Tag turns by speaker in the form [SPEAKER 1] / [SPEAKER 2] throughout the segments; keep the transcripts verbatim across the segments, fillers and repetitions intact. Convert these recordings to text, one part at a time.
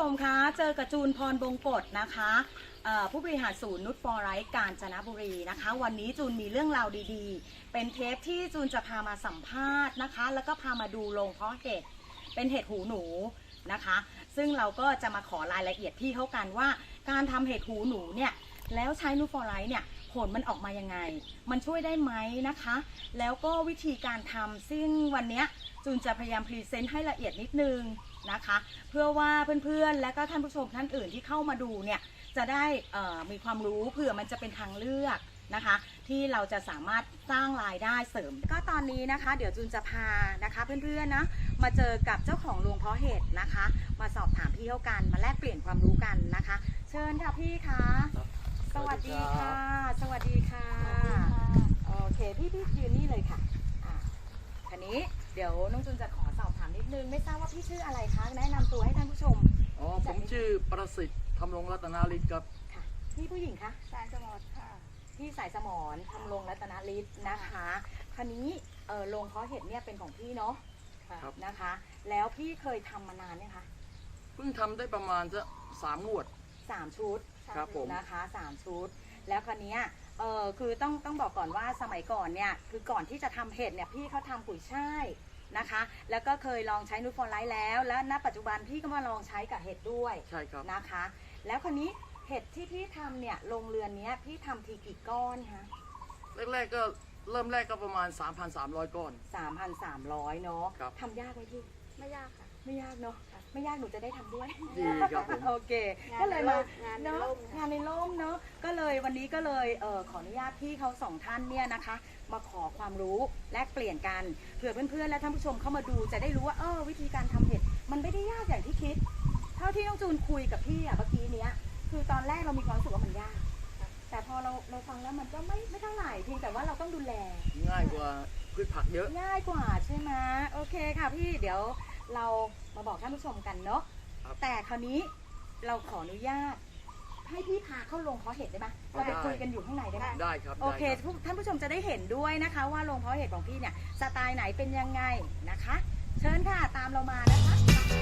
[SPEAKER 1] ชมคะเจอกับจูนพรบงกฎนะคะผู้บริหารศูนย์นุชฟอร์ไรท์กาญจนบุรีนะคะวันนี้จูนมีเรื่องราวดีๆเป็นเทปที่จูนจะพามาสัมภาษณ์นะคะแล้วก็พามาดูโรงเพาะเห็ดเป็นเห็ดหูหนูนะคะซึ่งเราก็จะมาขอรายละเอียดพี่เขากันว่าการทำเห็ดหูหนูเนี่ยแล้วใช้นุชฟอร์ไรท์เนี่ยผลมันออกมายังไงมันช่วยได้ไหมนะคะแล้วก็วิธีการทำซึ่งวันนี้จูนจะพยายามพรีเซนต์ให้ละเอียดนิดนึงนะคะเพื่อว่าเพื่อนๆและก็ท่านผู้ชมท่านอื่นที่เข้ามาดูเนี่ยจะได้มีความรู้เผื่อมันจะเป็นทางเลือกนะคะที่เราจะสามารถสร้างรายได้เสริมก็ตอนนี้นะคะเดี๋ยวจูนจะพานะคะเพื่อนๆนะมาเจอกับเจ้าของโรงเพาะเห็ดนะคะมาสอบถามพี่เขากันมาแลกเปลี่ยนความรู้กันนะคะเชิญค่ะพี่คะสวัสดีค่ะสวัสดีค่ะโอเคพี่พี่ยืนนี่เลยค่ะอ่ะทีนี้เดี๋ยวน้องจูนจะขอสอบถามนิดนึงไม่ทราบว่าพี่ชื่ออะไรคะแนะนำตัวให้ท่านผู้ชม
[SPEAKER 2] อ๋อผมชื่อประสิทธิ์ทำรงรัตนาฤทธิ์ครับ
[SPEAKER 1] ค่ะพี่ผู้หญิงคะ
[SPEAKER 3] สายสมรค่ะ
[SPEAKER 1] พี่สายสมรทำรงรัตนาฤทธิ์นะคะคราวนี้เออโรงเพาะเห็ดเนี่ยเป็นของพี่เนาะนะคะแล้วพี่เคยทำมานานเนี่ยคะ
[SPEAKER 2] เพิ่งทำได้ประมาณจะสามงวด
[SPEAKER 1] สามชุด
[SPEAKER 2] ครับผม
[SPEAKER 1] นะคะสามชุดแล้วคราวนี้เออคือต้องต้องบอกก่อนว่าสมัยก่อนเนี่ยคือก่อนที่จะทำเห็ดเนี่ยพี่เขาทำปุ๋ยช่ายนะคะแล้วก็เคยลองใช้นูตฟอร์ไลท์แล้วและณปัจจุบันพี่ก็มาลองใช้กับเห็ดด้วย
[SPEAKER 2] ใช่ครับ
[SPEAKER 1] นะคะแล้วคราวนี้เห็ดที่พี่ทำเนี่ยโรงเรือนนี้พี่ทำทีกี่ก้อนคะ
[SPEAKER 2] แรกๆก็เริ่มแรกก็ประมาณ สามพันสามร้อย ก้อน
[SPEAKER 1] สามพันสามร้อย เนาะทำยากไหมพี่
[SPEAKER 3] ไม่ยากค่ะ
[SPEAKER 1] ไม่ยากเนาะไม่ยากหนูจะได้ทำด้วย
[SPEAKER 2] ดีครับผม
[SPEAKER 1] โอเคก็เลยมางานงานในร่มเนาะก็เลยวันนี้ก็เลยเออขออนุญาตพี่เขาสองท่านเนี่ยนะคะมาขอความรู้แลกเปลี่ยนกันเผื่อเพื่อนๆและท่านผู้ชมเข้ามาดูจะได้รู้ว่าเออวิธีการทำเห็ดมันไม่ได้ยากอย่างที่คิดเท่าที่น้องจูนคุยกับพี่อะเมื่อกี้เนี้ยคือตอนแรกเรามีความรู้สึกว่ามันยากแต่พอเราเราฟังแล้วมันก็ไม่ไม่เท่าไหร่เพียงแต่ว่าเราต้องดูแล
[SPEAKER 2] ง่ายกว่าพืชผักเยอะ
[SPEAKER 1] ง่ายกว่าใช่ไหมโอเคค่ะพี่เดี๋ยวเรามาบอกท่านผู้ชมกันเนาะแต่คราวนี้เราขออนุญาตให้พี่พาเข้าโรงเพาะเห็ดได้ไหมเราไปคุยกันอยู่ข้างในได้ไหม
[SPEAKER 2] ได้ครับ
[SPEAKER 1] โอเคท่านผู้ชมจะได้เห็นด้วยนะคะว่าโรงเพาะเห็ดของพี่เนี่ยสไตล์ไหนเป็นยังไงนะคะเชิญค่ะตามเรามานะคะ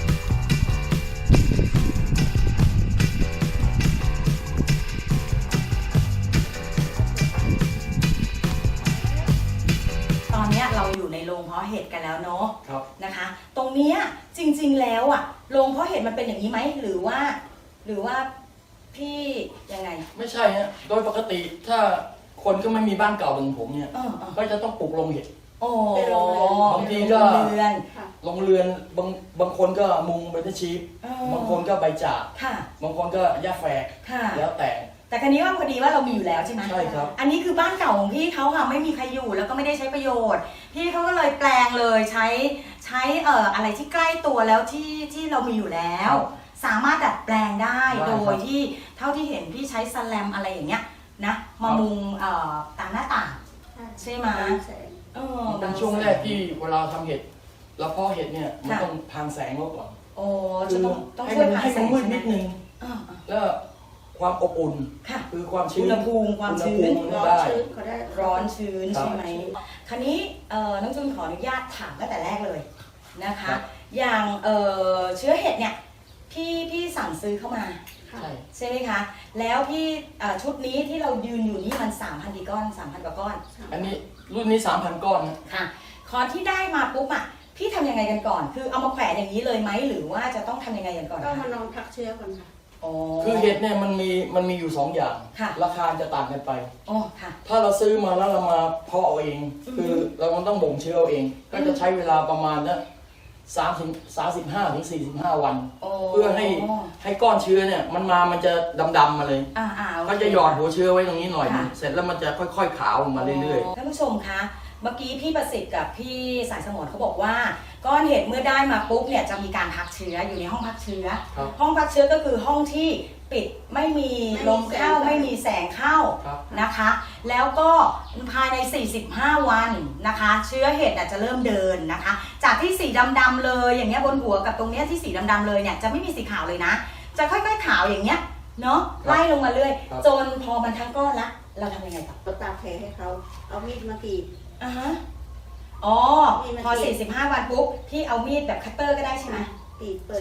[SPEAKER 1] ตอนนี้เราอยู่ในโรงเพาะเห็ดกันแล้วเนาะนะคะตรงนี้จริงๆแล้วอะโรงเพาะเห็ดมันเป็นอย่างนี้ไหมหรือว่าหรือว่าพี่ยังไง
[SPEAKER 2] ไม่ใช่ฮะโดยปกติถ้าคนก็ไม่มีบ้านเก่าเหมือนผมเนี่ยก็จะต้องปลูกโรงเห็ดบางทีก็โรงเรือนบางบางคนก็มุงใบตะชีพบางคนก็ใบจากบางคนก็หญ้าแฝกแล้วแต่
[SPEAKER 1] แต่คราวนี้ว่าพอดีว่าเรามีอยู่แล้วใช่ไหม
[SPEAKER 2] ใช่ครับ
[SPEAKER 1] อันนี้คือบ้านเก่าของพี่เขาค่ะไม่มีใครอยู่แล้วก็ไม่ได้ใช้ประโยชน์พี่เขาก็เลยแปลงเลยใช้ใช้เอ่ออะไรที่ใกล้ตัวแล้วที่ที่เรามีอยู่แล้วสามารถดัดแปลงได้โดยที่เท่าที่เห็นพี่ใช้สแลมอะไรอย่างเงี้ยนะมามุงเอ่อตามหน้าต่างใช่ไหม
[SPEAKER 2] เออเป็นช่วงแรกที่เวลาทำเห็ดแล้วพอเห็ดเนี่ยมันต้องพางแสงลดก่อน
[SPEAKER 1] โอ้จะต้องต้องช่วยพางแสง
[SPEAKER 2] มืดนิดนึงแล้วความอบอุ่นคือความชื้น
[SPEAKER 1] อุณหภูมิความชื้นร้อนชื้นเขาได้ร้อนชื้นใช่ไหมคราวนี้น้องจูนขออนุญาตถามตั้งแต่แรกเลยนะคะอย่างเชื้อเห็ดเนี่ยพี่พี่สั่งซื้อเข้ามาใช่ไหมคะแล้วพี่ชุดนี้ที่เรายืนอยู่นี่มันสามพันกี่ก้อนสามพันกว่าก้อน
[SPEAKER 2] อันนี้รุ่นนี้สามพันก้อน
[SPEAKER 1] ค่ะคอนที่ได้มาปุ๊บอ่ะพี่ทำยังไงกันก่อนคือเอามาแขวนอย่างนี้เลยไหมหรือว่าจะต้องทำยังไงกันก่อน
[SPEAKER 3] ก็มาลองพักเชื้อก่อนค่ะ
[SPEAKER 2] คือเห็ดเนี่ยมันมีมันมีอยู่สองอย่างราคาจะต่างกันไป
[SPEAKER 1] อ๋อค่ะ
[SPEAKER 2] ถ้าเราซื้อมาแล้วเรามาเพาะเอาเองคือเราต้องบ่มเชื้อเอาเองก็จะใช้เวลาประมาณนะสามถึงสามสิบห้าถึงสี่สิบห้าวันเพื่อให้ให้ก้อนเชื้อเนี่ยมันมามันจะดำๆมาเลยก็จะหยอดหัวเชื้อไว้ตรงนี้หน่อยเสร็จแล้วมันจะค่อยๆขาวออกมาเรื่อย
[SPEAKER 1] ๆท่านผู้ชมคะเมื่อกี้พี่ประสิทธิ์กับพี่สายสมรเขาบอกว่าก้อนเห็ดเมื่อได้มาปุ๊บเนี่ยจะมีการพักเชื้ออยู่ในห้องพักเชื้อห้องพักเชื้อก็คือห้องที่ปิดไม่มีลมเข้าไม่มีแสงเข้านะคะแล้วก็ภายในสี่สิบห้าวันนะคะเชื้อเห็ดจะเริ่มเดินนะคะจากที่สีดำๆเลยอย่างเงี้ยบนหัวกับตรงเนี้ยที่สีดำๆเลยเนี่ยจะไม่มีสีขาวเลยนะจะค่อยๆขาวอย่างเงี้ยเนาะไล่ลงมาเรื่อยจนพอมันทั้งก้อนละเราทำยังไงต่อ
[SPEAKER 3] ก็ตากแผลให้เขาเอามีดมากรีด
[SPEAKER 1] อ่าฮะอ๋อพอสี่สิบห้าวันปุ๊บพี่เอามีดแบบคัตเตอร์ก็ได้ใช่ไหมใช่ไหม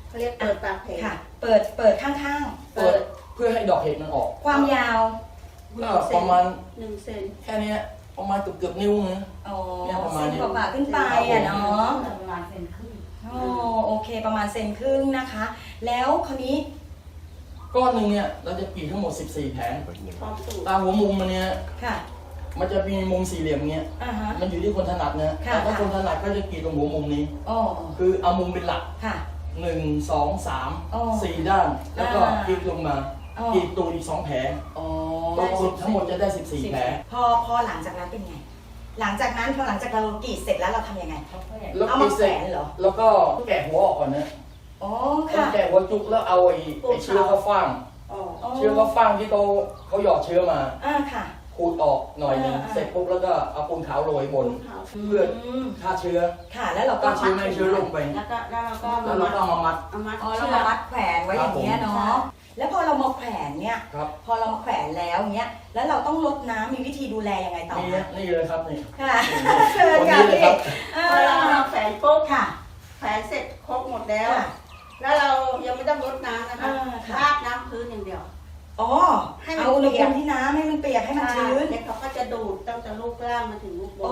[SPEAKER 3] เขาเรียกเปิดปากแผล
[SPEAKER 1] ค่ะ เปิดเปิดข้าง
[SPEAKER 2] เปิดเพื่อให้ดอกเห็ดมันออก
[SPEAKER 1] ๆ ความยาว
[SPEAKER 2] ก็ประมาณ
[SPEAKER 3] หนึ่งเซน
[SPEAKER 2] แค่เนี้ยประมาณเกือบเกือบๆนิ้วนะ
[SPEAKER 1] อ๋อ
[SPEAKER 2] เนี่ยประมาณ
[SPEAKER 1] เซน
[SPEAKER 2] นี้
[SPEAKER 1] กว่าๆขึ้นไปอ่ะเนาะ
[SPEAKER 3] ประมาณเซนครึ่ง
[SPEAKER 1] โอ้โอเคประมาณเซนครึ่งนะคะ แล้วคราวนี้
[SPEAKER 2] ก้อนหนึ่งเนี่ยเราจะกรีดทั้งหมดสิบสี่แผง
[SPEAKER 3] พร้อมสูตร
[SPEAKER 2] ตามหัวมุมมันเนี่ย
[SPEAKER 1] ค่ะ
[SPEAKER 2] มันจะมีมุมสี่เหลี่ยมเงี้ย
[SPEAKER 1] อ่าฮะ
[SPEAKER 2] มันอยู่ที่คนถนัดนะ
[SPEAKER 1] ค่ะ
[SPEAKER 2] แต่ถ้า
[SPEAKER 1] ค่ะ
[SPEAKER 2] คนถนัดก็จะกรีดตรงหัวมุมนี้
[SPEAKER 1] อ๋อ
[SPEAKER 2] คือเอามุมเป็นหลัก
[SPEAKER 1] ค่ะ
[SPEAKER 2] หนึ่งสองสาม
[SPEAKER 1] อ๋อ
[SPEAKER 2] สี่ด้าน แล้วก็
[SPEAKER 1] อ่า
[SPEAKER 2] พลิกลงมา
[SPEAKER 1] อ๋อ
[SPEAKER 2] กรีดตูดอีกสองแผล
[SPEAKER 1] อ๋อ
[SPEAKER 2] รวมทั้งหมดจะได้สิบสี่แผล
[SPEAKER 1] พอพอหลังจากนั้นเป็นไง หลังจากนั้นพอหลังจากเรากรีดเสร็จแล้วเราทำยังไง
[SPEAKER 2] แล้ว
[SPEAKER 1] เอา
[SPEAKER 2] กรี
[SPEAKER 1] มา
[SPEAKER 2] ด
[SPEAKER 1] แข
[SPEAKER 2] เส
[SPEAKER 1] ว
[SPEAKER 2] ร็จ
[SPEAKER 1] นเหรอ
[SPEAKER 2] แล้วก็แกะหัวออกก่อนนะ
[SPEAKER 1] อ๋อ
[SPEAKER 2] ต้อ
[SPEAKER 1] ค่ะ
[SPEAKER 2] งแกะหัวจุกแล้วเอาไอ้ไอ้เชื้อข้าวฟ่าง
[SPEAKER 3] ออก
[SPEAKER 1] อ๋อ
[SPEAKER 2] เชื้อข้าวฟ่างที่เขาเขาหยอดเชื้อมา
[SPEAKER 1] อ่าค่ะ
[SPEAKER 2] ขูดออกหน่อยหนึง
[SPEAKER 1] อ่า
[SPEAKER 2] เสร็จปุ๊บแล้วก็เอาปูนขาวโรยบน
[SPEAKER 3] ขาว
[SPEAKER 2] เพื่อ
[SPEAKER 1] ม
[SPEAKER 2] ฆ่าเชื้อ
[SPEAKER 1] ค่ะ แล้วเราก็
[SPEAKER 2] ฆ่าเชื้อไม่ให้เชื้อลงไป
[SPEAKER 3] แล้วก็แล้วเราก็
[SPEAKER 2] แล้วเราก็เอามามัด
[SPEAKER 3] เอามัด
[SPEAKER 1] อ๋อเรา
[SPEAKER 3] เชือ
[SPEAKER 1] มาก มัดแขวนไว้อย่างเงี้ย
[SPEAKER 2] ครับผม
[SPEAKER 1] เนาะ แล้วพอเรามาแขวนเนี่ย
[SPEAKER 2] ครับ
[SPEAKER 1] พอเรามาแขวนแล้วเงี้ย แล้วเราต้องลดน้ำมีวิธีดูแลยังไงต่อ
[SPEAKER 2] นี่
[SPEAKER 1] คะ
[SPEAKER 2] นี่เลยครับนี่
[SPEAKER 1] ค่ะ
[SPEAKER 2] คนนี้เลยครับ
[SPEAKER 1] อ่า
[SPEAKER 3] พอเราเอาแขวนปุ๊บ
[SPEAKER 1] ค่ะ
[SPEAKER 3] แขวนเสร็จครบหมดแล้ว
[SPEAKER 1] ค่ะ
[SPEAKER 3] แล้วเรายังไม่ต้องรดน้ำนะคะ
[SPEAKER 1] อ่าค่ะ
[SPEAKER 3] ราดน้ำพื้นอย่างเดียว
[SPEAKER 1] อ๋อ
[SPEAKER 3] ให้มัน
[SPEAKER 1] เอาอุณห
[SPEAKER 3] เปี
[SPEAKER 1] ภู
[SPEAKER 3] ยก
[SPEAKER 1] มิที่น้ำให้มันเปียกให้มันชื้น
[SPEAKER 3] เดี๋ยวเขาก็จะดูดตั้งแต่ลูกล่างมาถึงลูกบ
[SPEAKER 1] อ๋อน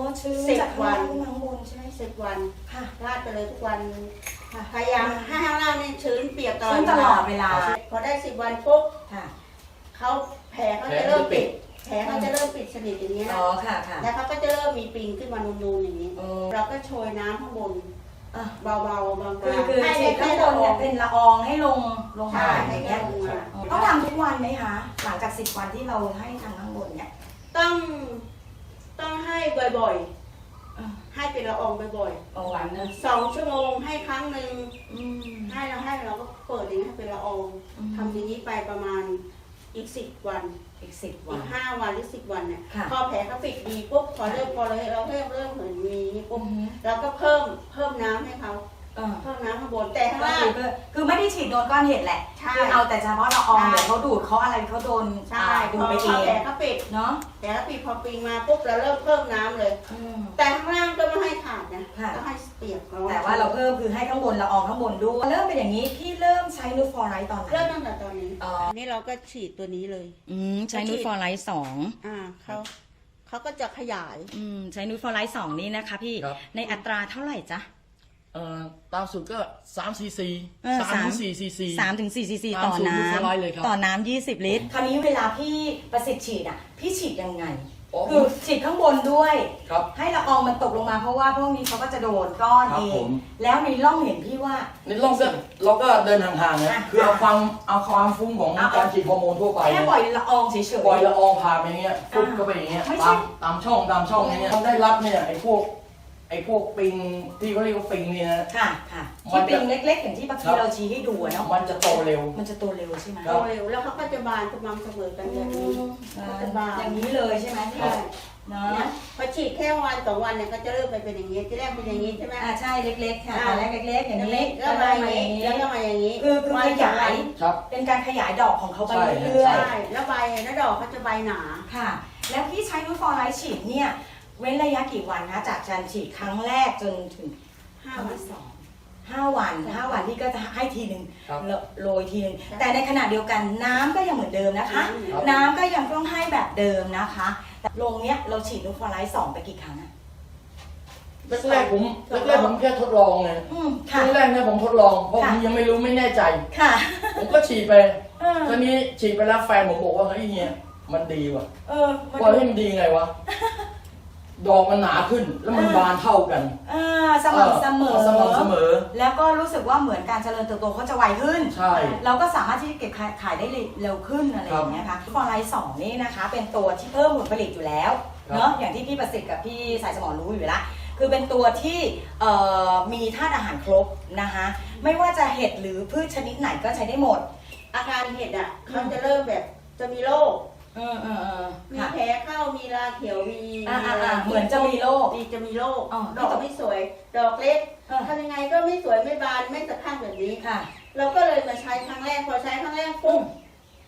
[SPEAKER 1] ชื้น
[SPEAKER 3] สิบ
[SPEAKER 1] จากข้าง
[SPEAKER 3] วั
[SPEAKER 1] ล่าน งขึ้นมาข้างบนใช่ไหม
[SPEAKER 3] สิบวัน
[SPEAKER 1] ค่ะ
[SPEAKER 3] ราดไปเลยทุกวันพยายามให้ข้างล่างนี่ชื้นเปียกตลอด
[SPEAKER 1] ชื้นตลอดเวลา
[SPEAKER 3] พอได้สิบวันปุ๊บ
[SPEAKER 1] ค่ะ
[SPEAKER 3] เขาแผลเขาจะเริ่มปิด แผลเขาจะเริ่มปิดสนิทอย่างนี้
[SPEAKER 1] อ๋
[SPEAKER 3] นะ
[SPEAKER 1] อค่ะค่ะ
[SPEAKER 3] แล้วเขาก็จะเริ่มมีปิงขึ้นมานูนๆอย่างนี้
[SPEAKER 1] อ๋อ
[SPEAKER 3] เราก็โชยน้ำข้างบน
[SPEAKER 1] อ่ะ
[SPEAKER 3] เบาๆบาง
[SPEAKER 1] คือ
[SPEAKER 3] ๆ
[SPEAKER 1] คือ
[SPEAKER 3] ให้
[SPEAKER 1] ฉีดข้างบนเนี่ยเป็นละอองให้ลงลงมา
[SPEAKER 3] ใช่
[SPEAKER 1] อ
[SPEAKER 3] ให้
[SPEAKER 1] ย่าง
[SPEAKER 3] แค่
[SPEAKER 1] เงี้ย
[SPEAKER 3] ลงมา
[SPEAKER 1] ต้องทำทุกวันไหมคะ หลังจากสิบวันที่เราให้ทางข้างบนเนี่ย
[SPEAKER 3] ต้องต้องให้บ่อย
[SPEAKER 1] อ่ะ
[SPEAKER 3] ๆ ให้เป็นละอองบ่อย
[SPEAKER 1] เอาวันนะ
[SPEAKER 3] ๆสองชั่วโมงให้ครั้งหนึ่ง
[SPEAKER 1] อืม
[SPEAKER 3] ให้เราให้เราก็เปิดอย่างนี้ให้เป็นละออง
[SPEAKER 1] อืม
[SPEAKER 3] ทำอย่างนี้ไปประมาณอีกสิบวัน
[SPEAKER 1] อีกสิบวั
[SPEAKER 3] อี
[SPEAKER 1] น
[SPEAKER 3] กห้าวันหรือสิบวันเนี่ย
[SPEAKER 1] ค่ะ
[SPEAKER 3] พอแผลเขาปิดดีปุ๊บพอเริ่มพอเราเราเริ่มเริ่มเหมือนมีปุ๊บ
[SPEAKER 1] อือฮึ
[SPEAKER 3] เราก็เพิ่มเพิ่มน้ำให้เขา
[SPEAKER 1] อ่า
[SPEAKER 3] เพิ่มน้ำข้างบนแต่ข้าง
[SPEAKER 1] ก็
[SPEAKER 3] ล่า
[SPEAKER 1] คื
[SPEAKER 3] ง
[SPEAKER 1] อก็คือไม่ได้ฉีดโดนก้อนเห็ดแหละ
[SPEAKER 3] ใช่
[SPEAKER 1] คือเอาแต่เฉพาะละออง
[SPEAKER 3] ใช่
[SPEAKER 1] เดี๋ยวเขาดูดเขาอะไรเขาโดน
[SPEAKER 3] ใช่
[SPEAKER 1] อ่า
[SPEAKER 3] พ
[SPEAKER 1] ดู
[SPEAKER 3] อ
[SPEAKER 1] ไปเอ
[SPEAKER 3] พอง แผลเขาปิด
[SPEAKER 1] เนาะ
[SPEAKER 3] แผลเขาปิดพอปิงมาปุ๊บเราเริ่มเพิ่มน้ำเลย
[SPEAKER 1] อืม
[SPEAKER 3] แต่ข้างล่างก็ไม่ให้ขาดนะ
[SPEAKER 1] ค่ะ
[SPEAKER 3] ก็ให้เปียกร้อน
[SPEAKER 1] แต่ว่าเราเพิ่มคือให้ข้างบนละอองข้างบนด้วยเริ่มเป็นอย่างนี้พี่เริ่มใช้นูตฟอร์ไรต์ตอนไหน
[SPEAKER 3] เริ่มตั้งแต่ตอนนี้
[SPEAKER 1] อ๋อ
[SPEAKER 3] อันนี้เราก็ฉีดตัวนี้เลย
[SPEAKER 1] อืมใช้นูตฟอร์ไรต์สอง
[SPEAKER 3] อ่าเขาเขาก็จะขยาย
[SPEAKER 1] อืมใช้นูตฟอร์ไลท์สองนี่นะคะพี่
[SPEAKER 2] ครับ
[SPEAKER 1] ในอัตราเท่าไหร่จ๊ะ
[SPEAKER 2] เอ่อตามสูตรก็สามซีซี
[SPEAKER 1] เออ
[SPEAKER 2] สาม
[SPEAKER 1] สาม
[SPEAKER 2] ถึงสี่ซีซี
[SPEAKER 1] สามถึงสี่ซีซี
[SPEAKER 2] ตาม
[SPEAKER 1] ต่อ
[SPEAKER 2] สูตร
[SPEAKER 1] น้
[SPEAKER 2] นูตฟอร์ไลท์เลยครับ
[SPEAKER 1] ำต่อน้ำยี่สิบลิตร คราวนี้เวลาพี่ประสิทธิ์ฉีดอ่ะ พี่ฉีดยังไง
[SPEAKER 2] อ๋อ
[SPEAKER 1] คือฉีดข้างบนด้วย
[SPEAKER 2] ครับ
[SPEAKER 1] ให้ละอองมันตกลงมาเพราะว่าพวกนี้เขาก็จะโดนก้อน
[SPEAKER 2] ครับ
[SPEAKER 1] เอ
[SPEAKER 2] ผ
[SPEAKER 1] ง
[SPEAKER 2] ม
[SPEAKER 1] แล้วในร่องเห็นพี่ว่า
[SPEAKER 2] ในร่องก็เราก็เดินห่างๆนะ
[SPEAKER 1] อ่ะ
[SPEAKER 2] คือเอาความเอาความฟุ้งของ
[SPEAKER 1] เอา
[SPEAKER 2] การฉีดฮอร์โมนทั่วไป
[SPEAKER 1] แค่
[SPEAKER 2] เนี่ย
[SPEAKER 1] ปล่อยละอองเฉยๆ
[SPEAKER 2] ปล่อยละอองผ่านไปอย่างเงี้ยฟุบ
[SPEAKER 1] อ่า
[SPEAKER 2] เข้าไปอย่างเงี้ย
[SPEAKER 1] ไม่ใช่
[SPEAKER 2] ตามตามช่องตามช่องอย่างเงี้ยมันได้รับเนี่ยไอ้พวกไอ้พวกปิงที่เขาเรียกว่าปิงเนี่ยนะ
[SPEAKER 1] ค่ะค่ะ
[SPEAKER 2] มั
[SPEAKER 1] ที่
[SPEAKER 2] นจะ
[SPEAKER 1] เป็นเล็กๆ อย่างที่บางที
[SPEAKER 2] ครับ
[SPEAKER 1] เราชี้ให้ดูอะเนาะ
[SPEAKER 2] มันจะโตเร็ว
[SPEAKER 1] มันจะโตเร็วใช่ไหม
[SPEAKER 2] ครั
[SPEAKER 3] โต
[SPEAKER 2] บ
[SPEAKER 3] เร็วแล้วเขาก็จะบานสม่ำเสมอกันอย่างนี้
[SPEAKER 1] อ่าอย่างนี้เลยใช่ไหมพี่
[SPEAKER 3] ใช่
[SPEAKER 1] เนาะ
[SPEAKER 3] เนี่ยพอฉีดแค่วันสองวันเนี่ยก็จะเริ่มไปเป็นอย่างนี้ที่แรกเป็นอย่างนี้ใช่ไหม
[SPEAKER 1] อ่าใช่เล็กๆค่ะ
[SPEAKER 3] อ่า
[SPEAKER 1] ตอนแรกเล็กๆ อย่างนี้
[SPEAKER 3] แล้วมาอย่างนี้แล้วก็มาอย่างนี้
[SPEAKER 1] คือคือขยาย
[SPEAKER 2] ครับ
[SPEAKER 1] เป็นการขยายดอกของเขาไป
[SPEAKER 2] ใช่
[SPEAKER 1] เรื่อย
[SPEAKER 3] ใช่แล้วใบแล้วดอกเขาจะใบหนา
[SPEAKER 1] ๆค่ะ แล้วพี่ใช้นูตฟอร์ไลท์ฉีดเนี่ยเว้นระยะกี่วันนะจากการฉีดครั้งแรกจนถึง
[SPEAKER 3] ห้า
[SPEAKER 1] ครั้ง
[SPEAKER 3] วัน
[SPEAKER 1] ที่สองห้าวันห้าวันพี่ก็จะให้ทีหนึ่ง
[SPEAKER 2] ครับ
[SPEAKER 1] โรยทีหนึ่ง
[SPEAKER 3] ครับ
[SPEAKER 1] แต่ในขณะเดียวกันน้ำก็ยังเหมือนเดิมนะคะ
[SPEAKER 2] ครับ
[SPEAKER 1] น้ำก็ยังต้องให้แบบเดิมนะคะแต่ลงเนี้ยเราฉีดนูตฟอร์ไลท์สองไปกี่ครั้งอะ
[SPEAKER 2] แรกๆผมแรกๆผมแค่ทดลองไง
[SPEAKER 1] อืม
[SPEAKER 2] ครั้
[SPEAKER 1] ค่ะ
[SPEAKER 2] งแรกเนี่ยผมทดลองเพราะผมยังไม่รู้ไม่แน่ใจ
[SPEAKER 1] ค่ะ
[SPEAKER 2] ผมก็ฉีดไป
[SPEAKER 1] เออ
[SPEAKER 2] ตอนนี้ฉีดไปแล้วแฟนผมบอกว่าเฮ้ยเฮียมันดีว่ะ
[SPEAKER 1] เออมัน
[SPEAKER 2] ว่าเฮ้ยมันดีไงวะ ดอกมันหนาขึ้นแล้วมันบานเท่ากัน
[SPEAKER 1] อ่าสม่ำเสมอ
[SPEAKER 2] สม่ำเสมอ
[SPEAKER 1] แล้วก็รู้สึกว่าเหมือนการเจริญเติบโตเขาจะไวขึ้น
[SPEAKER 2] ใช่
[SPEAKER 1] เราก็สามารถที่จะเก็บขายขายได้เร็วขึ้นอะไรอย่างเงี้ยค่ะฟอร์ไลท์สองนี่นะคะ เป็นตัวที่เพิ่มผลผลิตอยู่แล้ว
[SPEAKER 2] ครับ
[SPEAKER 1] เนาะอย่างที่พี่ประสิทธิ์กับพี่สายสมอรู้อยู่แล้วคือเป็นตัวที่เอ่อมีธาตุอาหารครบนะคะไม่ว่าจะเห็ดหรือพืชชนิดไหนก็ใช้ได้หมด
[SPEAKER 3] อาการเห็ดอ่ะเขาจะเริ่มแบบจะมีโรค
[SPEAKER 1] เออเออเออ
[SPEAKER 3] มี
[SPEAKER 1] ค่ะ
[SPEAKER 3] แผลเข้ามีราเขียวมี
[SPEAKER 1] อ่าอ่าอ่าเหมือนจะมีโรค
[SPEAKER 3] มีจะมีโรค
[SPEAKER 1] อ๋อ
[SPEAKER 3] ดอกไม่สวย ดอกเล็ก
[SPEAKER 1] เออ
[SPEAKER 3] ทำยังไงก็ไม่สวยไม่บานไม่สะพรั่งแบบนี้
[SPEAKER 1] ค่ะ
[SPEAKER 3] เราก็เลยมาใช้ครั้งแรกพอใช้ครั้งแรกปุ๊บ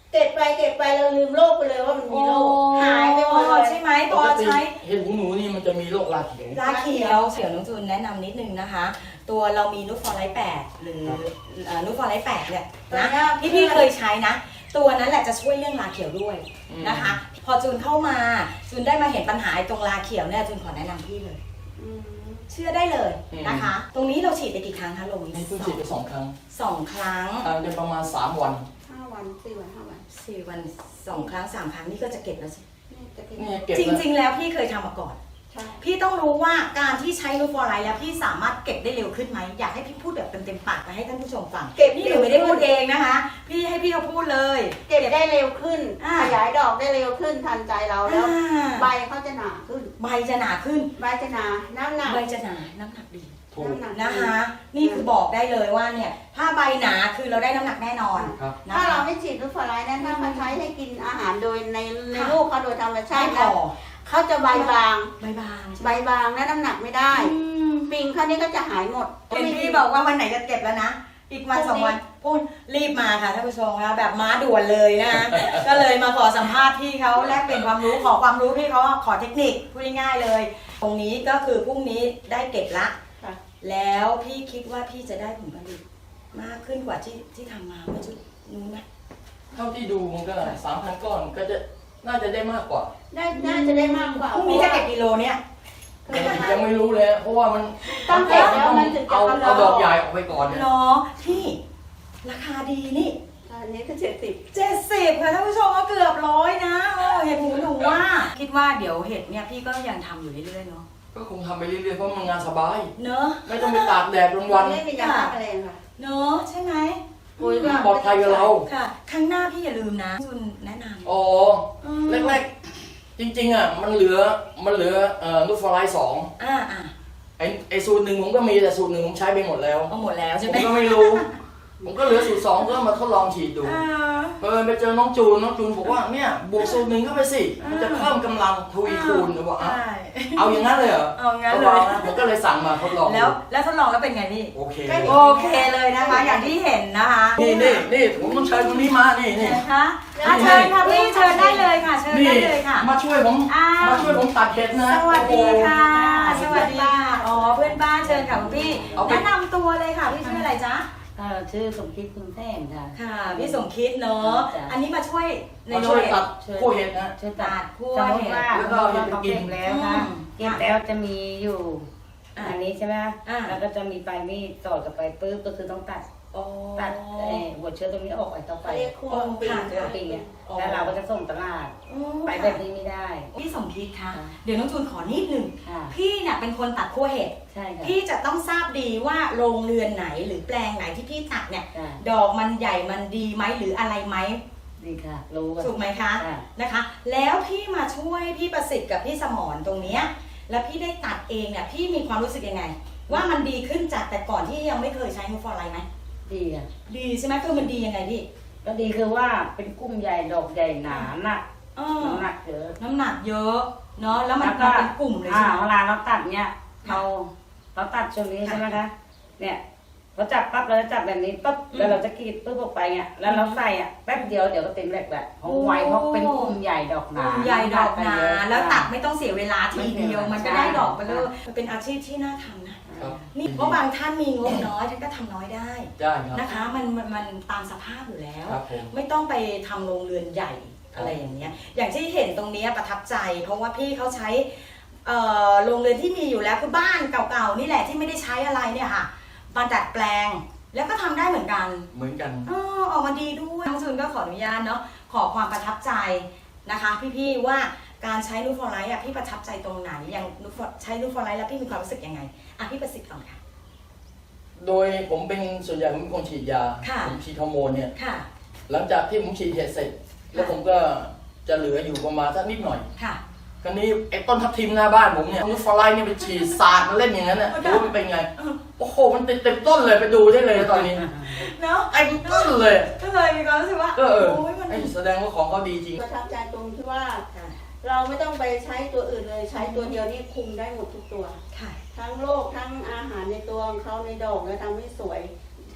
[SPEAKER 3] เก็บไปเก็บไปเราลืมโรคไปเลยว่ามันมีโรคหายไปหมดเลย
[SPEAKER 1] ใช่ไหม
[SPEAKER 2] ป
[SPEAKER 1] พอก
[SPEAKER 2] ติ
[SPEAKER 1] ใช้
[SPEAKER 2] เห็ดหูหนูนี่มันจะมีโรคราเขียว
[SPEAKER 1] ราเขียวเสี่ยวน้องจูนแนะนำนิดนึงนะคะ ตัวเรามีนูตฟอร์ไลท์แปดหรือเอ่อนูตฟอร์ไลท์แปดเนี่ยนะที่พี่เคยใช้นะ ตัวนั้นแหละจะช่วยเรื่องราเขียวด้วยนะคะ พอจูนเข้ามาจูนได้มาเห็นปัญหาไอ้ตรงราเขียวเนี่ยจูนขอแนะนำพี่เลย
[SPEAKER 3] อืม
[SPEAKER 1] เชื่อได้เลยนะคะ ตรงนี้เราฉีดไปกี่ครั้งคะโล
[SPEAKER 2] นี่เพิ่งฉีดไปสองครั้ง
[SPEAKER 1] สองครั้ง
[SPEAKER 2] ห่างกันประมาณสามวัน
[SPEAKER 3] ห้าวันสี่วันห้าวัน
[SPEAKER 1] สี่วันสองครั้งสามครั้งนี่ก็จะเก็บแล้วสิ
[SPEAKER 3] นี่จะเก็บ
[SPEAKER 2] เนี่ยเก็บ
[SPEAKER 1] จ
[SPEAKER 2] แล้ว
[SPEAKER 1] ริง ๆ แล้วพี่เคยทำมาก่อน
[SPEAKER 3] ใช่
[SPEAKER 1] พี่ต้องรู้ว่าการที่ใช้นูตฟอร์ไลท์แล้วพี่สามารถเก็บได้เร็วขึ้นไหมอยากให้พี่พูดแบบเต็มๆปากไปให้ท่านผู้ชมฟัง
[SPEAKER 3] เก็บ
[SPEAKER 1] นี่หนูไม่ได้พูดเองนะคะ พี่ให้พี่เขาพูดเลย
[SPEAKER 3] เก็บได้เร็วขึ้น
[SPEAKER 1] อ่า
[SPEAKER 3] ขยายดอกได้เร็วขึ้นทันใจเราแล้ว
[SPEAKER 1] อ่า
[SPEAKER 3] ใบเขาจะหนาขึ้น
[SPEAKER 1] ใบจะหนาขึ้น
[SPEAKER 3] ใบจะหนาน้ำหนัก
[SPEAKER 1] ใบจะหนาน้ำหนักดี
[SPEAKER 2] ถูก
[SPEAKER 3] น้ำหนัก
[SPEAKER 1] นะคะ นี่คือบอกได้เลยว่าเนี่ยถ้าใบหนาคือเราได้น้ำหนักแน่นอน
[SPEAKER 2] ครับ
[SPEAKER 1] นะ
[SPEAKER 3] ถ้า
[SPEAKER 1] คะ
[SPEAKER 3] เราไม่ฉีดนูตฟอร์ไลท์นั้นถ้าเขาใช้ให้กินอาหารโดยในใน
[SPEAKER 1] ค่ะ
[SPEAKER 3] ลูกเขาโดยธรรมชา
[SPEAKER 1] ไม่
[SPEAKER 3] ติ
[SPEAKER 1] พ
[SPEAKER 3] นะ
[SPEAKER 1] อ
[SPEAKER 3] เขาจะใบบาง
[SPEAKER 1] ใบบางใช่ไห
[SPEAKER 3] ใบ
[SPEAKER 1] ม
[SPEAKER 3] บางและน้ำหนักไม่ได้
[SPEAKER 1] อืม
[SPEAKER 3] ปิงเขานี่ก็จะหายหมด
[SPEAKER 1] เห็นพี่บอกว่าวันไหนจะเก็บแล้วนะ อีกวันสองวันพูดรีบมาค่ะท่านผู้ชมคะแบบม้าด่วนเลยนะคะ ก็เลยมาขอสัมภาษณ์พี่เขาแลกเปลี่ยนความรู้ขอความรู้พี่เขาขอเทคนิคพูดง่ายๆเลย ตรงนี้ก็คือพรุ่งนี้ได้เก็บละ
[SPEAKER 3] ค่ะ
[SPEAKER 1] แล้วพี่คิดว่าพี่จะได้ผลผลิตมากขึ้นกว่าที่ที่ทำมาเมื่อจุดนู้นไหม
[SPEAKER 2] เท่าที่ดูมันก็สามพันก้อนก็จะน่าจะได้มากกว่า
[SPEAKER 3] ได้น่าจะได้มากกว่า
[SPEAKER 1] พรุ่งนี้จะเก็บกิโลเนี่ย
[SPEAKER 2] ยังไม่รู้เลย เพราะว่ามัน
[SPEAKER 3] ต้องเก็บแล้วมันถึงจะ
[SPEAKER 2] เอา
[SPEAKER 3] กำลัง
[SPEAKER 2] เอาดอกใหญ่ออกไปก่อนเนี่ย
[SPEAKER 1] เนาะพี่ราคาดีนี่
[SPEAKER 3] อันนี้ก็เจ็ดสิบ
[SPEAKER 1] เจ็ดสิบค่ะท่านผู้ชมก็เกือบร้อยนะโอ้เห็ดหูหนูว่า คิดว่าเดี๋ยวเห็ดเนี่ยพี่ก็ยังทำอยู่เรื่อยๆเนาะ
[SPEAKER 2] ก็คงทำไปเรื่อยๆเพราะมันงานสบาย
[SPEAKER 1] เนอะ
[SPEAKER 2] ไม่ต้องไปตากแดดกลางวัน
[SPEAKER 3] ไม่มียาฆ่าแมลงค่ะ
[SPEAKER 1] เนอะใช่ไหม
[SPEAKER 3] ปุ๋ยก็
[SPEAKER 2] ปลอดภัยกับเรา
[SPEAKER 1] ค่ะ ครั้งหน้าพี่อย่าลืมนะจุนแนะนำ
[SPEAKER 2] อ๋อ
[SPEAKER 1] อืม
[SPEAKER 2] แรกๆ จริงๆอ่ะมันเหลือมันเหลือเอ่อนูตฟอร์ไลท์สอง
[SPEAKER 1] อ่าอ่า
[SPEAKER 2] ไอไอสูตรหนึ่งผมก็มีแต่สูตรหนึ่งผมใช้ไปหมดแล้ว
[SPEAKER 1] เอาหมดแล้ว
[SPEAKER 2] ผ
[SPEAKER 1] ใช่
[SPEAKER 2] ม
[SPEAKER 1] ไหม
[SPEAKER 2] ก็ไม่รู้ ผมก็เหลือสูตรสองก็มาทดลองฉีดดู
[SPEAKER 1] อ่า
[SPEAKER 2] เออไปเจอน้องจูนน้องจูนบอกว่าเนี่ยบวกสูตรหนึ่งเข้าไปสิมันจะเพิ่มกำลังทวีคูณผมบอกอ่ะ
[SPEAKER 1] ใช่
[SPEAKER 2] เอาอย่างนั้นเลยเหรอ
[SPEAKER 1] เอางั้นเลย
[SPEAKER 2] ก็บอกนะผมก็เลยสั่งมาทดลองดู
[SPEAKER 1] แล้วแล้วทดลองแล้วเป็นไงพี่
[SPEAKER 2] โอเค
[SPEAKER 1] โอเคเลยนะคะ อย่างที่เห็นนะคะ
[SPEAKER 2] นี่นี่นี่ผมต้องเชิญคนนี้มานี่นี่
[SPEAKER 1] นะคะอ่ะเชิญค่ะพี่เชิญได้เลยค่ะ เชิญ
[SPEAKER 2] นี่
[SPEAKER 1] ได้เลยค่ะ
[SPEAKER 2] มาช่วยผม
[SPEAKER 1] อ้าว
[SPEAKER 2] มาช่วยผมตัดเห็ดนะ
[SPEAKER 1] สวัสดีค่ะ
[SPEAKER 3] โอ้โห
[SPEAKER 1] สวัสดีค่ะอ๋อเพื่อนบ้านเชิญค่ะคุณพี่
[SPEAKER 2] เอาไป
[SPEAKER 1] แนะนำตัวเลยค่ะพี่ชื่ออะไรจ๊ะ
[SPEAKER 4] เอ่อชื่อสมคิดคุณแท่งค่ะ
[SPEAKER 1] ค่ะ พี่สมคิดเนาะ
[SPEAKER 4] จ้ะ
[SPEAKER 1] อันนี้มาช่วยใน
[SPEAKER 2] มา
[SPEAKER 1] โร
[SPEAKER 2] ช่วย
[SPEAKER 1] งเรียน
[SPEAKER 2] ตัดคู่เห็ดนะ
[SPEAKER 4] ช่วย
[SPEAKER 1] ตั
[SPEAKER 4] ตั
[SPEAKER 1] ด
[SPEAKER 4] ด
[SPEAKER 1] คั่ว
[SPEAKER 4] สมม
[SPEAKER 1] เห็
[SPEAKER 4] ติ
[SPEAKER 1] ด
[SPEAKER 4] ว่า
[SPEAKER 2] แล้วก็
[SPEAKER 4] เรา
[SPEAKER 2] เอาเห็ดไป
[SPEAKER 4] เขา
[SPEAKER 2] กิน
[SPEAKER 4] เก็บแล้วค่ะ
[SPEAKER 1] อืม
[SPEAKER 4] เก็บแล้วจะมีอยู่
[SPEAKER 1] อ่ะ
[SPEAKER 4] อันนี้ใช่ไหม
[SPEAKER 1] อ่ะ
[SPEAKER 4] แล้วก็จะมีปลายมีดต่อกับไปปุ๊บก็คือต้องตัด
[SPEAKER 1] อ๋อ
[SPEAKER 4] ตัดเอ่อหัวเชื้อตรงนี้ออกไอ้ต่อไป
[SPEAKER 3] เขาเรียกคั่วปิง
[SPEAKER 1] ค่ะ
[SPEAKER 4] เชื้อปีอ่ะแล้วเราก็จะส่งตลาด
[SPEAKER 1] อ๋อ
[SPEAKER 4] ไปแบบนี้ไม่ได้
[SPEAKER 1] พี่สมคิดคะ
[SPEAKER 4] ค่ะ
[SPEAKER 1] เดี๋ยวน้องจูนขอนิดหนึ่ง
[SPEAKER 4] ค่ะ
[SPEAKER 1] พี่เนี่ยเป็นคนตัดคั่วเห็ด
[SPEAKER 4] ใช่ค่ะ
[SPEAKER 1] พี่จะต้องทราบดีว่าโรงเรือนไหนหรือแปลงไหนที่พี่ตัดเนี่ย
[SPEAKER 4] ค่ะ
[SPEAKER 1] ดอกมันใหญ่มันดีไหมหรืออะไรไหม
[SPEAKER 4] ดีค่ะ รู้กัน
[SPEAKER 1] ถูกไหมคะ
[SPEAKER 4] ค่ะ
[SPEAKER 1] นะคะ แล้วพี่มาช่วยพี่ประสิทธิ์กับพี่สมรตรงเนี้ยแล้วพี่ได้ตัดเองเนี่ยพี่มีความรู้สึกยังไง ว่ามันดีขึ้นจากแต่ก่อนที่ยังไม่เคยใช้นูตฟอร์ไลท์ไหม
[SPEAKER 4] ดีอ่ะ
[SPEAKER 1] ดีใช่ไหมคือมันดียังไงพี่
[SPEAKER 4] ก็ดีคือว่าเป็นกุ้มใหญ่ดอกใหญ่หนาหนัก
[SPEAKER 1] เออ
[SPEAKER 4] น้ำหนักเยอะ
[SPEAKER 1] น้ำหนักเยอะเนาะแล้วมัน
[SPEAKER 4] แล้วก็
[SPEAKER 1] มันเป็นกลุ่มเลย
[SPEAKER 4] อ่า
[SPEAKER 1] ใช่ไหม
[SPEAKER 4] เวลาเราตัดเนี่ย
[SPEAKER 1] ค่ะ
[SPEAKER 4] เราเราตัดช่วงนี้
[SPEAKER 1] ค่ะ
[SPEAKER 4] ใช่ไหมคะเนี่ยเราจับปั๊บเราจะจับแบบนี้ปั๊บ
[SPEAKER 1] อืม
[SPEAKER 4] แล้วเราจะกรีดปุ๊บออกไปเนี่ยแล้วเราใส่อ่ะแป๊บเดียวเดี๋ยวก็เต็มแหลกแหละเพราะไวเพราะเป็นกลุ่มใหญ่ดอกห
[SPEAKER 1] ก
[SPEAKER 4] นา
[SPEAKER 1] ลุ่มใหญ่ดอกหนา
[SPEAKER 4] เยอะ
[SPEAKER 1] แล้วตัดไม่ต้องเสียเวลาทีเดียว
[SPEAKER 4] ไม่เสีย
[SPEAKER 1] มันก็ได้
[SPEAKER 4] ใช่
[SPEAKER 1] ดอกไปเลยมันเป็นอาชีพที่น่าทำนะ
[SPEAKER 2] ครับ
[SPEAKER 1] นี่เพราะบางท่านมีงบน้อยท่านก็ทำน้อยได้
[SPEAKER 2] ได้ครับ
[SPEAKER 1] นะคะมันมันมันตามสภาพอยู่แล้ว
[SPEAKER 2] ครับผม
[SPEAKER 1] ไม่ต้องไปทำโรงเรือนใหญ่อะไรอย่างเงี้ยอย่างที่เห็นตรงเนี้ยประทับใจ เพราะว่าพี่เขาใช้เอ่อโรงเรือนที่มีอยู่แล้วคือบ้านเก่าๆนี่แหละที่ไม่ได้ใช้อะไรเนี่ยค่ะมาดัดแปลงแล้วก็ทำได้เหมือนกัน
[SPEAKER 2] เหมือนกัน
[SPEAKER 1] ออออกมาดีด้วยน้องจูนก็ขออนุญาตเนาะขอความประทับใจนะคะ พี่ๆว่าการใช้นูตฟอร์ไลท์อ่ะพี่ประทับใจตรงไหนอย่างนูตฟอร์ใช้นูตฟอร์ไลท์แล้วพี่มีความรู้สึกยังไงอ่ะพี่ประสิทธิ์ก่อนค่ะ
[SPEAKER 2] โดยผมเป็นส่วนใหญ่ผมเป็นคนฉีดยา
[SPEAKER 1] ค่ะ
[SPEAKER 2] ผมฉีดฮอร์โมนเนี่ย
[SPEAKER 1] ค่ะ
[SPEAKER 2] หลังจากที่ผมฉีดเห็ดเสร็จ แล้วผมก็จะเหลืออยู่ประมาณสักนิดหน่อย
[SPEAKER 1] ค่ะ
[SPEAKER 2] คราวนี้ไอ้ต้นทับทิมหน้าบ้านผมเนี่ยนูตฟอร์ไลท์เนี่ยไปฉีดสาดมันเล่นอย่างนั้นน่ะ
[SPEAKER 1] โอ้ย
[SPEAKER 2] ดูว่ามันเป็นไง โอ้โหมันติดเต็มต้นเลยไปดูได้เลยตอนนี้
[SPEAKER 1] เนาะ
[SPEAKER 2] ไอ้ต้นเลย
[SPEAKER 1] ก็เลยมีความรู้สึกว่า
[SPEAKER 2] ก็เออ
[SPEAKER 1] โอ้ยมัน
[SPEAKER 2] ไอ้แสดงว่าของเขาดีจริง
[SPEAKER 3] ประทับใจตรงที่ว่า
[SPEAKER 1] ค่ะ
[SPEAKER 3] เราไม่ต้องไปใช้ตัวอื่นเลยใช้ตัวเดียวนี่คุมได้หมดทุกตัว
[SPEAKER 1] ค่ะ
[SPEAKER 3] ทั้งโรคทั้งอาหารในตัวของเขาในดอกแล้วทำให้สวย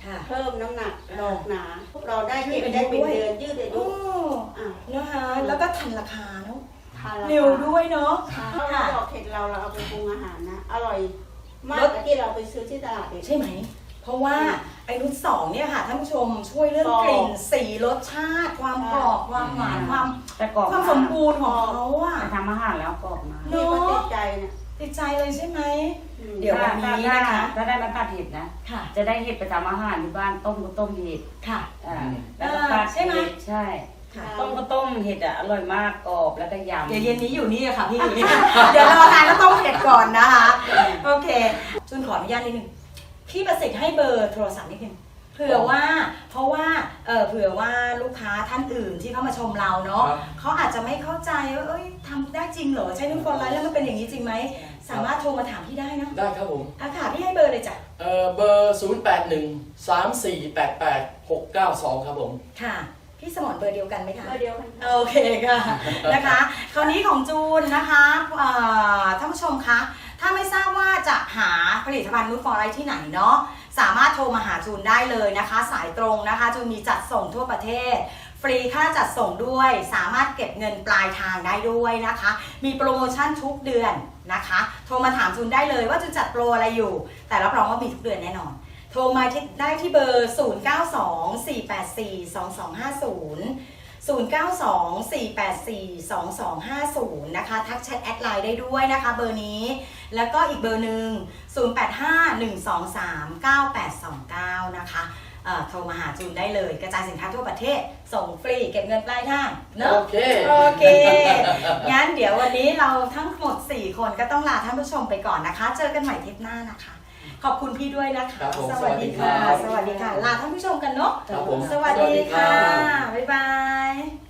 [SPEAKER 1] ค่ะ
[SPEAKER 3] เพิ่มน้ำหนัก
[SPEAKER 1] อ่า
[SPEAKER 3] ดอกหนา เราได้เก็บ
[SPEAKER 1] ยืดอายุ
[SPEAKER 3] ได้เป็น
[SPEAKER 1] ด้วย
[SPEAKER 3] เดือนยืดอายุ
[SPEAKER 1] โอ้
[SPEAKER 3] อ่ะ
[SPEAKER 1] นะคะแล้วก็ทันราคาเนาะ
[SPEAKER 3] ทานราคา
[SPEAKER 1] เร็วด้วยเนาะ
[SPEAKER 3] ถ้าเราดอกเห็ดเราเราเอาไปปรุงอาหารนะอร่อยมากกว่าที่เราไปซื้อที่ตลาดเอง
[SPEAKER 1] ใช่ไหม เพราะว่าไอ้นุชสองเนี่ยค่ะท่านผู้ชมช่วยเรื่อง
[SPEAKER 3] กรอบ
[SPEAKER 1] กลิ่นสีรสชาติ ความกรอบความหวานความ
[SPEAKER 4] แต่กรอบ
[SPEAKER 1] ความสมบูรณ์ของเขาอะ
[SPEAKER 4] ไปทำอาหารแล้วกรอบมาก
[SPEAKER 3] นี่ก็ติดใจเนี่ย
[SPEAKER 1] ติดใจเลยใช่ไหม
[SPEAKER 3] อืม
[SPEAKER 1] เดี๋ยววันนี้นะคะ
[SPEAKER 4] ถ้าได้มาตัดเห็ดนะ
[SPEAKER 1] ค่ะ
[SPEAKER 4] จะได้เห็ดไปทำอาหารที่บ้านต้มก็ต้มเห็ด
[SPEAKER 1] ค่ะ
[SPEAKER 4] อ่า
[SPEAKER 2] อืม
[SPEAKER 4] แล้วก็ตัด
[SPEAKER 1] ใช่ไหม
[SPEAKER 4] เห็ดใช่
[SPEAKER 1] ค่ะ
[SPEAKER 4] ต้มก็ต้มเห็ดอ่ะอร่อยมากกรอบแล้วก็ยำ
[SPEAKER 1] เดี๋ยวเย็นนี้อยู่นี่อะค่ะพี่ เดี๋ยวรอทานแล้วต้องเผ็ดก่อนนะคะ โอเคจุนขออนุญาตนิดนึงพี่ประสิทธิ์ให้เบอร์โทรศัพท์นิดนึงเผื่อว่า เพราะว่าเออเผื่อว่าลูกค้าท่านอื่นที่เข้ามาชมเราเนาะ
[SPEAKER 2] ครับ
[SPEAKER 1] เขาอาจจะไม่เข้าใจว่าเอ้ยทำได้จริงเหรอใช้นุ่นฟอร์ไลท์แล้วมันเป็นอย่างนี้จริงไหมสามารถโทรมาถามพี่ได้เนาะ
[SPEAKER 2] ได้ครับผม
[SPEAKER 1] อ่ะค่ะพี่ให้เบอร์เลยจ้ะ
[SPEAKER 2] เอ่อเบอร์ ศูนย์ แปด หนึ่ง สาม สี่ แปด แปด หก เก้า สอง ครับผม
[SPEAKER 1] ค่ะพี่สมรเบอร์เดียวกันไหมคะ
[SPEAKER 3] ก็เดียวกันค่ะ
[SPEAKER 1] โอเคค่ะ นะคะ คราวนี้ของจูนนะคะเอ่อท่านผู้ชมคะถ้าไม่ทราบว่าจะหาผลิตภัณฑ์นูตฟอร์ไรที่ไหนเนาะสามารถโทรมาหาจูนได้เลยนะคะ สายตรงนะคะจูนมีจัดส่งทั่วประเทศ ฟรีค่าจัดส่งด้วยสามารถเก็บเงินปลายทางได้ด้วยนะคะ มีโปรโมชั่นทุกเดือนนะคะ โทรมาถามจูนได้เลยว่าจูนจัดโปรอะไรอยู่ แต่รับรองว่ามีทุกเดือนแน่นอน โทรมาที่ได้ที่เบอร์ ศูนย์ เก้า สอง สี่ แปด สี่ สอง สอง ห้า ศูนย์ ศูนย์ เก้า สอง สี่ แปด สี่ สอง สอง ห้า ศูนย์ นะคะ ทักแชทแอดไลน์ได้ด้วยนะคะเบอร์นี้ แล้วก็อีกเบอร์หนึ่ง ศูนย์ แปด ห้า หนึ่ง สอง สาม เก้า แปด สอง เก้า นะคะเอ่อโทรมาหาจูนได้เลย กระจายสินค้าทั่วประเทศ ส่งฟรีเก็บเงินปลายทางเนอะ
[SPEAKER 2] โอเค
[SPEAKER 1] โอเค งั้นเดี๋ยววันนี้เราทั้งหมด สี่ คนก็ต้องลาท่านผู้ชมไปก่อนนะคะ เจอกันใหม่เทปหน้านะคะ ขอบคุณพี่ด้วยนะคะ
[SPEAKER 2] ครับผม
[SPEAKER 1] สวัสดีค่ะ
[SPEAKER 2] ส
[SPEAKER 1] ส
[SPEAKER 2] วั
[SPEAKER 1] วัส
[SPEAKER 2] สดี
[SPEAKER 1] ดี
[SPEAKER 2] ครั
[SPEAKER 1] ค่ะ
[SPEAKER 2] บ
[SPEAKER 1] ลาท่านผู้ชมกันเนาะ
[SPEAKER 2] ครับผม
[SPEAKER 1] สวัสดีค่ะ
[SPEAKER 2] สวัสดีครับ
[SPEAKER 1] บ๊ายบาย